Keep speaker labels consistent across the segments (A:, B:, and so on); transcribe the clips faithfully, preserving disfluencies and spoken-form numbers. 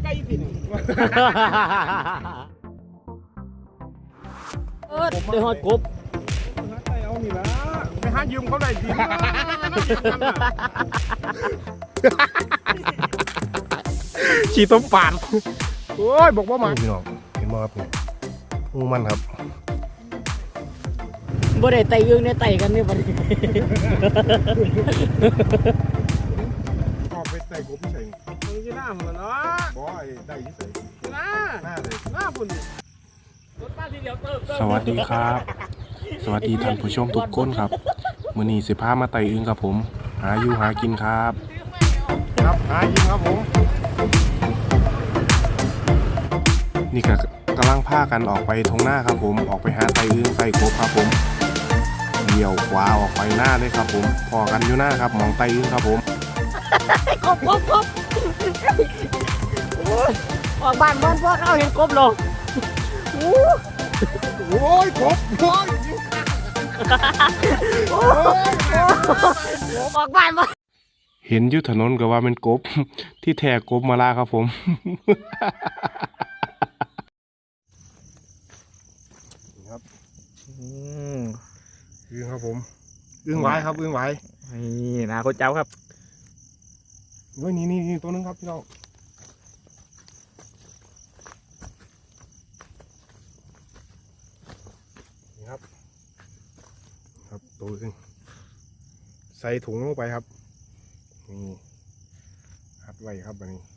A: ใกล้ปิ่น
B: เออได้ฮอดกบ
A: ไปเอานี่ละไปหายืมเขาได้ดีขี่ต้มป่านโอ้ยบอกว่ามาพี่น้องเห็นมั้ยครับงูมันครับ
B: บ่ได้ไต่ยึงได้ไต่กันนี่บ่ได้
A: ออกไปไต่กบใส่มึงจะหน้ามันเนาะบ่ไอ้ได้ที่ใส่หน้าหน้าเลยหน้าฝุ่น
C: สวัสดีครับสวัสดีท่านผู้ชมทุกคนครับมื้อนี้สิพามาไต่อึ่งครับผมหาอยู่หากินครับ
A: ครับหายิงครับผม
C: นี่ก็กำลังพากันออกไปทงหน้าครับผมออกไปหาไต่อึ่งไต่กบครับผมเดี่ยวขวาออกไปหน้าเลยครับผมพอกันอยู่หน้าครับมองไต่อึ่งครับผม
B: กบกบกบออกบ้านบ้านพวกเขาเห็นกบหรอ
A: โอ้ยกบโอ้ย
B: ออกบ้านบ้าน
C: เห็นอยู่ถนนก็ว่าเป็นกบที่แท้กบมาลาครับผม
A: ครับอึ่งครับผมอึ่งไว้ครับอึ่งไว้
B: นี่นะคนเจ้าครับ
A: เฮ้ยนี่นี่ตัวนึงครับพี่น้องนี่ครับครับตัวนึงใส่ถุงลงไปครับนี่หัดไว้ครับอันนี้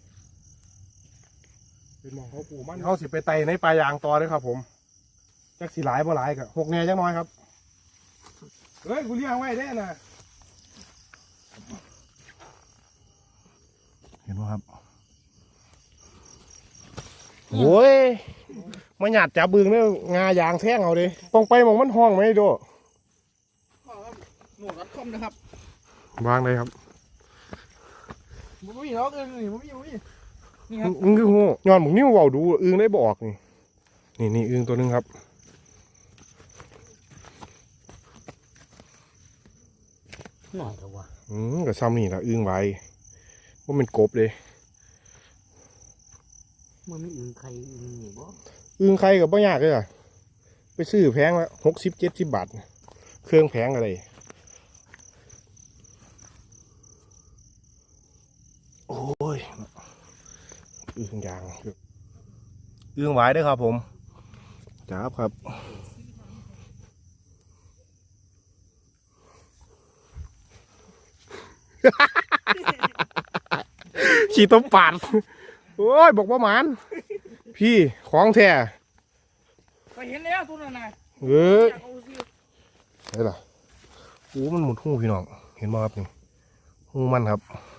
A: เป็นมองเขาปูมันเขาสิไปไต่ในปลายางต่อเลยครับผมจักสีหลายบ่หลายกับหกแน่จักน้อยครับเฮ้ยกูเลี้ยงไว้ได้นะเห็นไหมครับโอ้ยมาหยาดจับบึงเนี่ยงายางแท่งเอาดิตรงไปมองมันห้องไหมดูหนูรัดคอมนะครับวางเลยครับมันไม่มีหรอกเออนี่มันไม่มีนี่ครับอึ้งคือหูย้อนหมุนนิ้วเบาดูอึ้งได้บอกนี่นี่นี่อึ้งตัวนึงครับ
B: หน่อยเถอะวะ
A: อืมกับซ้ำนี่ละอึ้งไว้ว่ามันกบเลย
B: มันไม่อึ้งใครอึ้งนี่บ่
A: อึ้งใครกับบ่ยากเลยอ่ะไปซื้อแพงละหกสิบเจ็ดสิบบาทเครื่องแพงอะไรโอ้ยอึ้งยางอึ้งไว้ด้วยครับผมจับครับขี่ต้มป่านโอ้ยบอกว่าหมานพี่ของแท้
B: ไปเห็นแล้วตัวนั้นน่ะ
A: เฮ้ยเฮ้ยล่ะโอ้มันหมุดหูพี่น้องเห็นไหมครับนี่หูมันครับ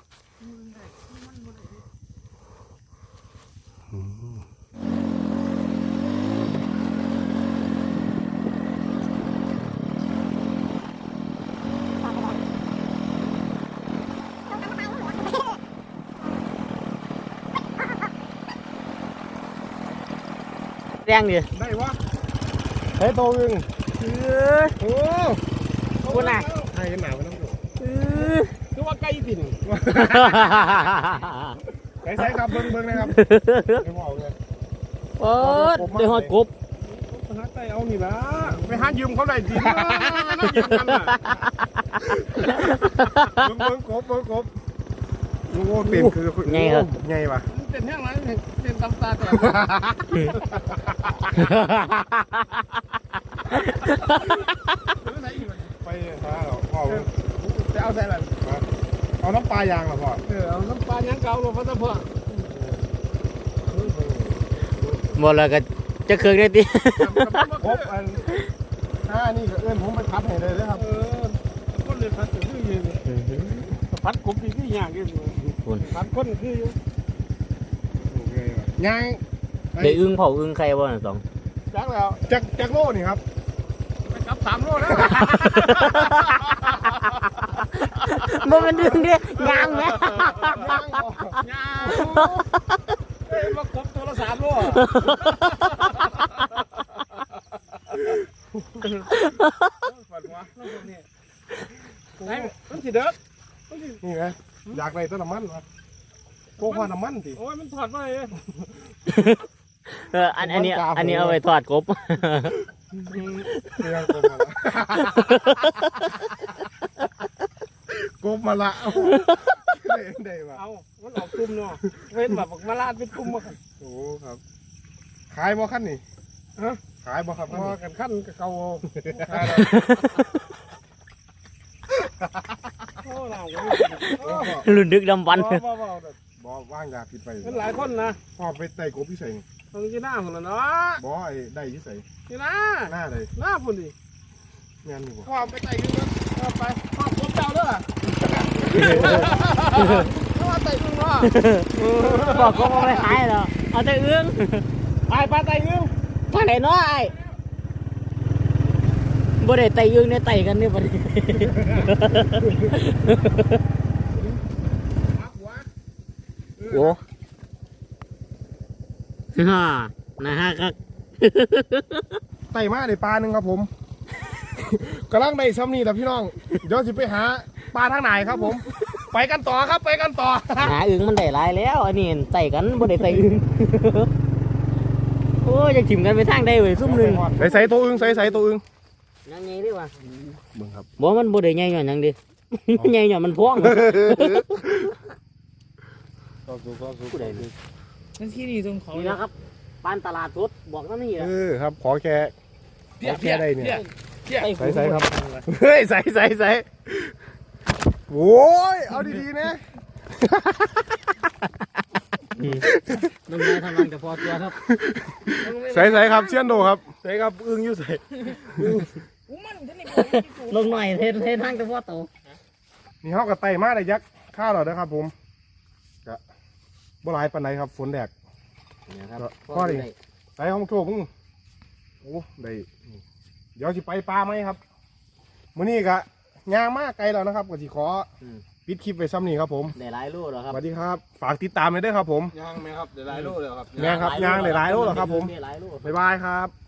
B: แรงดิ
A: ได้วะเฮ้ยโตอึ้ง
B: เออ
A: โอ้
B: คุณน่ะ
A: ให้กันหนาวไปน้ำดู
B: เออ
A: คือว่าใกล้ปิ่นใส่ใส่ครับเบิ้งเบิ้งนะครับไม่บอกเลย
B: โอ้ยได้ฮอดกบ
A: ไปหาไต่เอานี่ละไปหายืมเขาได้ดีนะยืมกันน่ะเบิ้งเบิ้งกบเบิ้งกบโอ้เต็มคือไงครับไงวะเต็มแห้งแล้วเต็มตำตาแต่ไปหาหรอพ่อจะเอาใส่อะไรเอาน้ำปลายางหรอพ่อเออเอาน้ำปลายางเก่าหรอพ่อพ่อ
B: หมดแล้วก็จะเคยได้ดิ
A: ครบอันห้านี่ก็เอื้อนผมไปพัดให้เลยนะครับเออคนเลยพัดคือยืนพัดกบดีที่ยากยืนพัดคนคืออยู่ยัง
B: ได้อึ้งเผาอึ้งใครบ้างสอง
A: จักแล้วจักจักโลนี่ครับไปจับสามโลแล้ว
B: มันเป็นอึ้งดิงามไหม
A: งามเฮ้ยมากบตัวละสามโลฝันวะนี่มันสิเด็กนี่ไงอยากได้ต้นน้ำมันวะก
C: กหัวน้ำมันสิ
A: โอ้ยมันถอดไปเลย
B: เอออันอันนี้อันนี้เอาไปทอดกบ
C: เรื่องกบมาละกบมาละได้ได้ปะ
A: เอามันออกกลุ่มเนาะเว้นแบบมาลาดเป็นกลุ่มมากัน
C: โอ้ครับขายบ่ขั้นนี่
A: ฮะ
C: ขายบ่ครับ
A: พอกันขั้นกับเก่าโอ้เรา
B: รุ่นดึกดำบรรพ์
A: บ่บ่
C: บ่ว่างยาผิดไป
A: มันหลายคนนะ
C: พ่อไปไต่กบพี่ใส่
A: ตรงที่หน้าคนละเนาะ
C: บ่ไอ้ได้พี่ใส่
A: ที่หน้า
C: หน้าเลย
A: หน้าพุ่นดิ
C: แม่นอยู่บ่
A: ความไปไต่ดึงแล้วไปความกบเจ้าเด้อถ้าว่าไต่ดึงเนาะ
B: บอกกบเอาไปขายเหรอเอาแต่อึ้ง
A: ไปไปไต่ดึง
B: ทางไหนเนาะไอ้บ่ได้ไต่อึ้งได้ไต่กันนี่บ่ได้โอ้ฮ่านะฮะครับ
C: ไต่มาได้ปลาหนึ่งครับผม กำลังได้ซ้ำนี่แหละพี่น้องเดี๋ยวสิไปหาปลาทางไหนครับผม ไปกันต่อครับไปกันต่อ
B: หาอึ้งมันได้หลายแล้วอันนี้ไต่กันบ่ได้ไต่อึ้ง โอ้ยยังถิ่มกันไปทางใดเว้ยซุ่มหนึง
C: ใส่ใส่ตัวอึงใส่ใส่ตัวอึง
B: ยังไงดิวะ
C: เบิ่งครับ
B: บ่มันบ่ได้ใหญ่หย่อนหยังดิ ใหญ่หย่อนมันพ้อง
A: ก็สู้ก็สู้
B: ผู้ใดดิ
D: นั่นที่นี่ตรงเขา
B: นี่นะครับปานตลาดสดบอกนั่นนี่
C: เออครับขอแค่ขอแค่ได้เนี่ย ใส่ใส่ครับ เฮ้ยใส่ใส่ใส่โอ้ยเอาดีๆนะ
B: มันมาทำงานกับพอตัวครับ
C: ใส่ใส่ครับเชียนโดครับใส่ครับอึ้งอยู่ใส่
D: อู้มันท่านนี่บอกที่กู
B: ลงหน่อยเทเททางกับพอโต
C: นี่เขากับไต่มาได้ยักษ์ข้าวหรอนะครับผมกะบ่หลายปานใดครับฝนแดก
B: เนี่ยครับ
C: พอดิ ใส่ห้องโถงโอ้ได้เดี๋ยวสิไปปลาไหมครับมื้อนี้กะย่างมากไกลแล้วนะครับก็สิขอปิดคลิปไว้ซ้ำนี้ครับผม
B: ได้หลายลูกแล้วค
C: ส
B: รับ
C: วัสดีครับฝากติดตามเลยด้วยครับผม
A: ย่างไหมครับเดี๋ยวหลายโลเลยครับ
C: แม่ครับย่างได้หลายโลแล้วครับผม
B: ได้หลายลูก
C: บ๊ายบายครับ